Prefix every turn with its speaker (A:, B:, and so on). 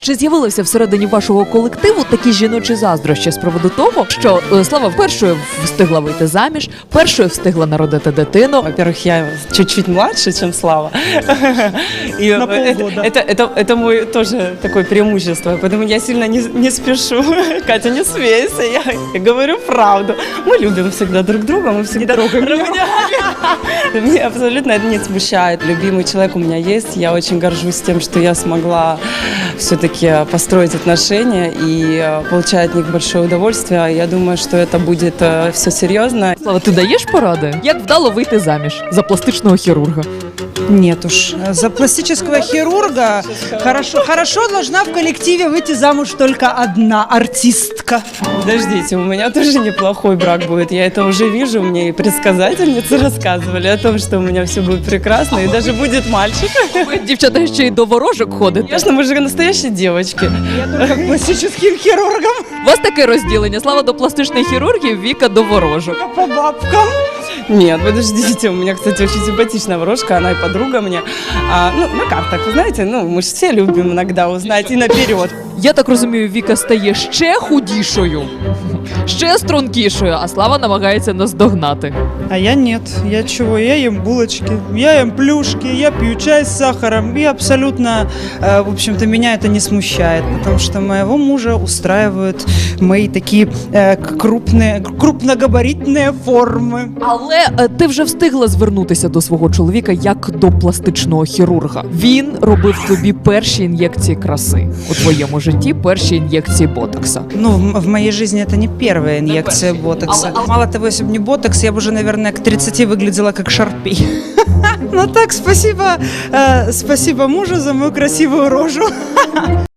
A: Чи з'явилися всередині вашого колективу такі жіночі заздрощі з приводу того, що Слава першою встигла вийти заміж, першою встигла народити дитину?
B: Во-первых, я чуть-чуть младше, чем Слава. И
C: На полгода.
B: это мое тоже такое преимущество, поэтому я сильно не спешу. Катя, не смейся, я говорю правду. Мы любим всегда друг друга, мы всегда трогаем. Меня абсолютно это не смущает. Любимый человек у меня есть, я очень горжусь тем, что я смогла все-таки построить отношения и получать от них большое удовольствие. Я думаю, что это будет все серьезно.
A: Слава, ти даєш поради? Як вдало вийти заміж за пластичного хірурга?
C: Нет уж. За пластического хирурга хорошо должна в коллективе выйти замуж только одна артистка.
B: Подождите, у меня тоже неплохой брак будет. Я это уже вижу, мне и предсказательницы рассказывали о том, что у меня все будет прекрасно, и даже будет мальчик.
A: Ви, дівчата, ще й до ворожок ходите.
B: Конечно, мы же настоящие девочки.
C: Я только к пластическим хирургам
A: У вас таке розділення. Слава до пластичних хірургів, Віка до ворожок.
C: по бабкам.
B: Нет, подождите, у меня, кстати, очень симпатичная ворожка, она и подруга мне. На картах, вы знаете, мы же все любим иногда узнать и наперед.
A: Я так розумію, Віка стає ще худішою, ще стрункішою, а Слава намагається наздогнати.
C: А я нет. Я чего? Я ем булочки, я ем плюшки, я пью чай с сахаром. И абсолютно, в общем-то, меня это не смущает, потому что моего мужа устраивают мои такие крупногабаритные формы.
A: Але ти вже встигла звернутися до свого чоловіка як до пластичного хірурга. Він робив тобі перші ін'єкції краси у твоєму житті, перші ін'єкції ботокса.
C: Ну, в моей жизни это не первая инъекция ботокса. Мало того, если бы не ботокс, я бы уже, наверное, к 30 выглядела как Шарпей. Ну так, спасибо мужу за мою красивую рожу.